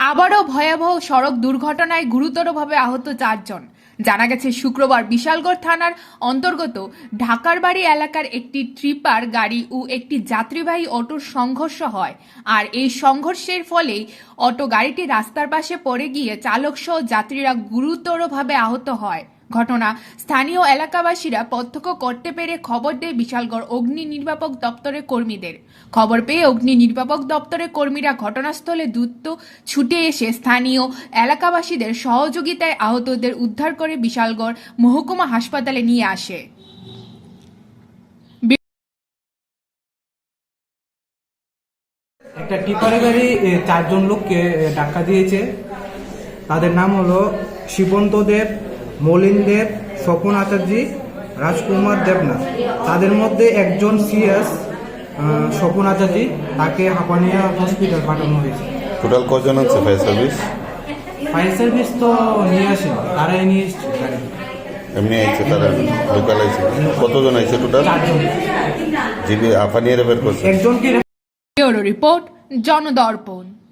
আবারও ভয়াবহ সড়ক দুর্ঘটনায় গুরুতরভাবে আহত 4 জন। জানা গেছে শুক্রবার বিশালগড় থানার অন্তর্গত ঢাকার বাড়ি এলাকার একটি ট্রিপার গাড়ি ও একটি যাত্রীবাহী অটোর সংঘর্ষ হয়। আর এই সংঘর্ষের ফলেই অটো গাড়িটি রাস্তার পাশে পড়ে গিয়ে চালক সহ যাত্রীরা গুরুতরভাবে আহত হয়। ঘটনা স্থানীয় এলাকাবাসীরা প্রত্যক্ষ করতে পেরে খবর দেয় বিশালগড় অগ্নি নির্বাপক দপ্তরের কর্মীদের। খবর পেয়ে অগ্নি নির্বাপক দপ্তরের কর্মীরা ঘটনাস্থলে দ্রুত ছুটে এসে স্থানীয় এলাকাবাসীদের সহযোগিতায় আহতদের উদ্ধার করে বিশালগড় মহকুমা হাসপাতালে নিয়ে আসে। একটা টিপারে গাড়ি 4 জন লোককে ধাক্কা দিয়েছে। তাদের নাম হলো শিবন্ত দেব, মলিন দেব, স্বপন আচার্য, রাজকুমার দেবনাথ। তাদের মধ্যে একজন সিএস স্বপন আচার্য, তাকে হাঁপানিয়া হসপিটাল পাঠানো হয়েছে। টোটাল কজন আছে ফায়ার সার্ভিস? ফায়ার সার্ভিস তো নিয়ে আসেনি, তারাই নিয়ে এসছে গাড়ি। এমনি আইছে তারা লোকাল আইছে? কতজন আইছে টোটাল? 4 জন। যিনি হাঁপানিয়া বের করছে একজনকে ব্যুরো রিপোর্ট, জনদর্পণ।